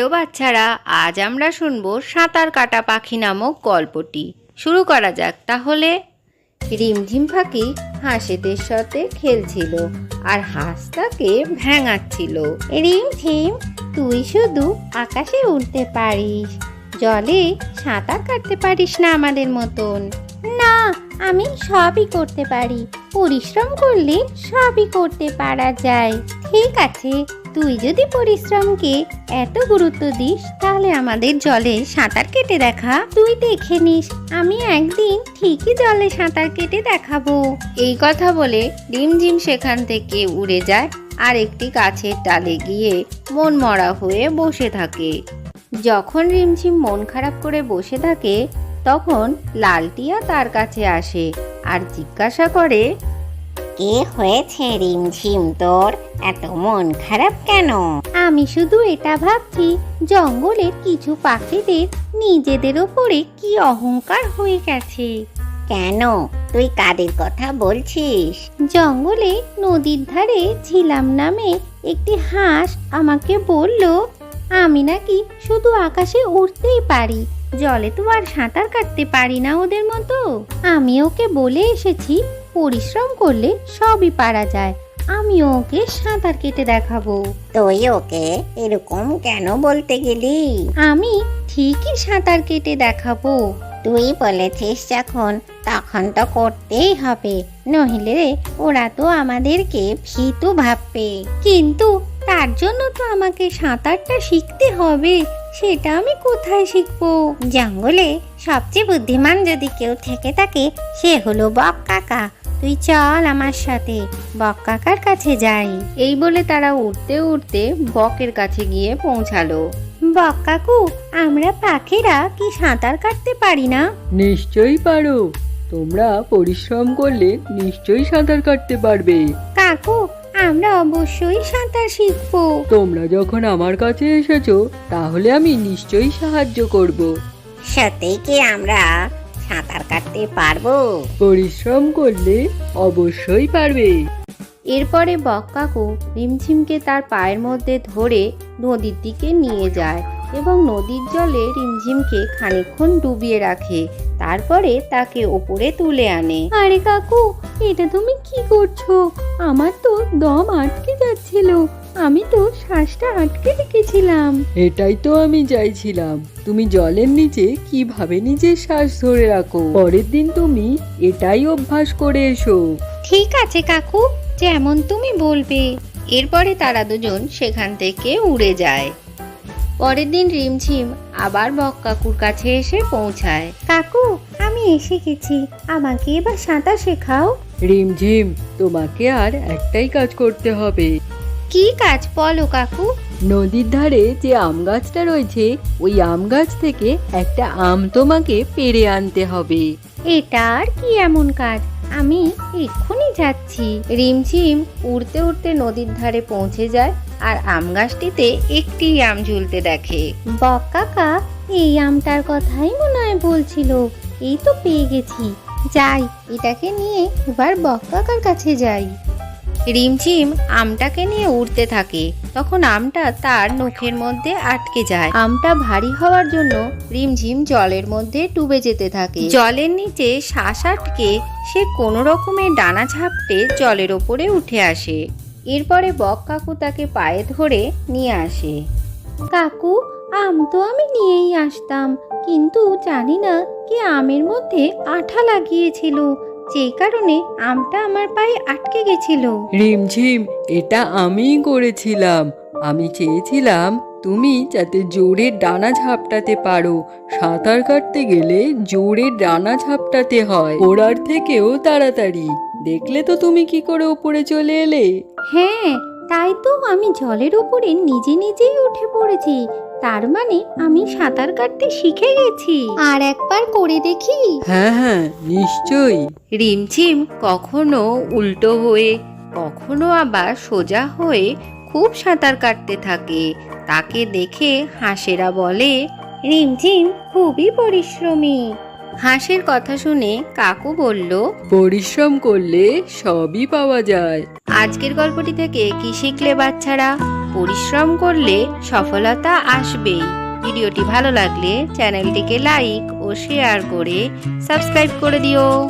বাচ্চারা, আজ আমরা শুনবো সাঁতার কাটা পাখি নামক গল্পটি। শুরু করা যাক তাহলে। রিমঝিম পাখি হাঁসেদের সাথে খেলছিল আর হাঁস তাকে ভেঙাচ্ছিল। রিমঝিম, তুই শুধু আকাশে উড়তে পারিস, জলে সাঁতার কাটতে পারিস না আমাদের মতন। না, আমি সবই করতে পারি, পরিশ্রম করলে সবই করতে পারা যায়। ঠিক আছে, তুই যদি পরিশ্রমকে এত গুরুত্ব দিস তাহলে আমাদের জলে সাঁতার কেটে দেখা। তুই দেখে নিস, আমি একদিন ঠিকই জলে সাঁতার কেটে দেখাবো। এই কথা বলে রিমঝিম সেখান থেকে উড়ে যায় আর একটি গাছের ডালে গিয়ে মন মরা হয়ে বসে থাকে। যখন রিমঝিম মন খারাপ করে বসে থাকে তখন লালটিয়া তার কাছে আসে আর জিজ্ঞাসা করে, কি হয়েছে রিমঝিম, তোর এত মন খারাপ কেন? আমি শুধু এটা ভাবছি, জঙ্গলের কিছু পাখিদের নিজেদের ওপরে কি অহংকার হয়ে গেছে। কেন, তুই কাদের কথা বলছিস? জঙ্গলে নদীর ধারে ঝিলাম নামে একটি হাঁস আমাকে বলল, আমি নাকি শুধু আকাশে উড়তেই পারি, জলে তো আর সাঁতার কাটতে পারি না ওদের মতো। আমি ওকে বলে এসেছি, পরিশ্রম করলে সবই পারা যায়, আমি ওকে সাঁতার কেটে দেখাবো। তুই ওকে এরকম কেন বলতে গেলি? আমি ঠিকই সাঁতার কেটে দেখাবো। তুই বলেছিস যখন, তখন তো করতেই হবে, নইলে ওরা তো আমাদেরকে ভীতু ভাববে। কিন্তু তার জন্য তো আমাকে সাঁতারটা শিখতে হবে, সেটা আমি কোথায় শিখবো? জঙ্গলে সবচেয়ে বুদ্ধিমান যদি কেউ থেকে থাকে সে হলো বক কাকা। তুই চল আমার সাথে, বক কাকার কাছে যাই। এই বলে তারা উঠতে উঠতে বকের কাছে গিয়ে পৌঁছালো। বক কাকু, আমরা পাখিরা কি সাঁতার কাটতে পারি না? নিশ্চয়ই পারো, তোমরা পরিশ্রম করলে নিশ্চয়ই সাঁতার কাটতে পারবে। কাকু, আমরা অবশ্যই সাঁতার শিখবো। তোমরা যখন আমার কাছে এসেছো তাহলে আমি নিশ্চয়ই সাহায্য করব। সত্যি কি আমরা সাঁতার কাটতে পারবো? পরিশ্রম করলে অবশ্যই পারবে। এরপরে বক কাকু রিমঝিমকে তার পায়ের মধ্যে ধরে নদীর দিকে নিয়ে যায় এবং নদীর জলে রিমঝিমকে খানিকক্ষণ ডুবিয়ে রাখে, তারপরে তাকে ওপরে তুলে আনে। আরে কাকু, এটা তুমি কি করছো? আমার তো দম আটকে যাচ্ছিল, আমি তো শ্বাসটা আটকে রেখেছিলাম। এটাই তো আমি চাইছিলাম, তুমি জলের নিচে কিভাবে নিজের শ্বাস ধরে রাখো। পরের দিন তুমি এটাই অভ্যাস করে এসো। ঠিক আছে কাকু, যেমন তুমি বলবে। এরপরে তারা দুজন সেখান থেকে উড়ে যায়। পরের দিন রিমঝিম আবার বক কাকুর কাছে এসে পৌঁছায়। কাকু, আমি এসে গেছি, আমাকে এবার সাঁতার শেখাও। রিমঝিম, তোমাকে আর একটাই কাজ করতে হবে। কি কাজ বলো কাকু? নদীর ধারে যে আম গাছটা রয়েছে ওই আম গাছ থেকে একটা আম তোমাকে পেড়ে আনতে হবে। এটা আর কি এমন কাজ, আমি এক্ষুনি যাচ্ছি। রিমঝিম উড়তে উড়তে নদীর ধারে পৌঁছে যায় আর আম গাছটিতে একটি আম ঝুলতে দেখে। বক কাকা এই আমটার কথাই মনে হয় বলছিল, এই তো পেয়ে গেছি, যাই এটাকে নিয়ে এবার বক কাকার কাছে যাই। রিমঝিম আমটাকে নিয়ে উড়তে থাকে, তখন আমটা তার নখের মধ্যে আটকে যায়। আমটা ভারী হওয়ার জন্য রিমঝিম জলের মধ্যে ডুবে যেতে থাকে। জলের নিচে শ্বাস আটকে সে কোনো রকমে ডানা ঝাপটে জলের ওপরে উঠে আসে। এরপরে বক কাকু তাকে পায়ে ধরে নিয়ে আসে। কাকু, আম তো আমি নিয়েই আসতাম, কিন্তু জানি না কি আমের মধ্যে আঠা লাগিয়েছিল, যেই কারণে আমটা আমার পায়ে আটকে গেছিল। রিমঝিম, এটা আমিই করেছিলাম। আমি চেয়েছিলাম তুমি যাতে জোরে ডানা ঝাপটাতে পারো। সাঁতার কাটতে গেলে জোরে ডানা ঝাপটাতে হয়, ওড়ার থেকেও তাড়াতাড়ি। দেখলে তো তুমি কি করে উপরে চলে এলে। হ্যাঁ, তাই তো আমি জলের উপরে নিজে নিজেই উঠে পড়েছি, তার মানে আমি সাঁতার কাটতে শিখে গেছি। আর একবার করে দেখি? হ্যাঁ হ্যাঁ, নিশ্চয়ই। রিমঝিম কখনো উল্টো হয়ে কখনো আবার সোজা হয়ে খুব সাঁতার কাটতে থাকে। তাকে দেখে হাঁসেরা বলে, রিমঝিম খুবই পরিশ্রমী। হাঁসের কথা শুনে কাকু বলল, পরিশ্রম করলে সবই পাওয়া যায়। আজকের গল্পটি থেকে কি শিখলে বাচ্চারা? পরিশ্রম করলে সফলতা আসবেই। ভিডিওটি ভালো লাগলে চ্যানেলটিকে লাইক ও শেয়ার করে সাবস্ক্রাইব করে দিও।